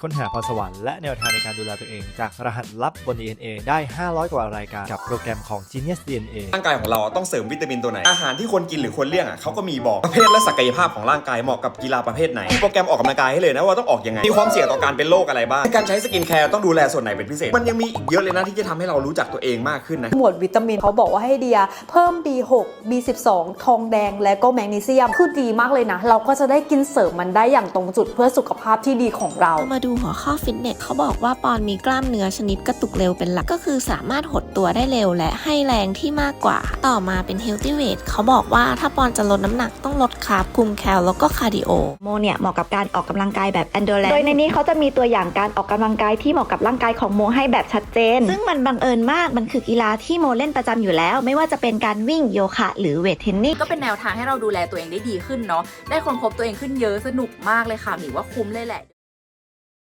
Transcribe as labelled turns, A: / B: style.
A: ค้นหาพรสวรรค์และแนวทางในการดูแลตัวเองจากรหัสลับบน DNA ได้ 500 กว่ารายการกับโปรแกรมของ Genius DNA
B: ร่างกายของเราต้องเสริมวิตามินตัวไหนอาหารที่ควรกินหรือควรเลี่ยงเขาก็มีบอกประเภทและศักยภาพของร่างกายเหมาะกับกีฬาประเภทไหนมีโปรแกรมออกกำลังกายให้เลยนะว่าต้องออกยังไงมีความเสี่ยงต่อการเป็นโรคอะไรบ้างการใช้สกินแคร์ต้องดูแลส่วนไหนเป็นพิเศษมันยังมีอีกเยอะเลยนะที่จะทำให้เรารู้จักตัวเองมากขึ้นนะ
C: หมวดวิตามินเขาบอกว่าให้เดียเพิ่ม B6 B12 ทองแดงและก็แมกนีเซียมคือดีมากเลยนะเราก็จะได้กินเสริมมันได้อย่างตรงจุดเพื่อสุขภาพที่ดีของเรา
D: มาดูหัวข้อฟิตเนสเขาบอกว่าปอนมีกล้ามเนื้อชนิดกระตุกเร็วเป็นหลักก็คือสามารถหดตัวได้เร็วและให้แรงที่มากกว่าต่อมาเป็น healthy weight เขาบอกว่าถ้าปอนจะลดน้ำหนักต้องลดคาร์บคุมแคลแล้วก็คาร์ดิโอ
E: โมเนี่ยเหมาะกับการออกกำลังกายแบบ endurance โดยในนี้เขาจะมีตัวอย่างการออกกำลังกายที่เหมาะกับร่างกายของโมให้แบบชัดเจนซึ่งมันบังเอิญมากมันคือกีฬาที่โมเล่นประจำอยู่แล้วไม่ว่าจะเป็นการวิ่งโยคะหรือเวทเทรนนิ่ง
F: ก็เป็นแนวทางให้เราดูแลตัวเองได้ดีขึ้นเนาะได้ค้นพบตัวเองขึ้นเยอะสนุกมากเลยค่ะหมิวว่าคุ้มเลยแหละ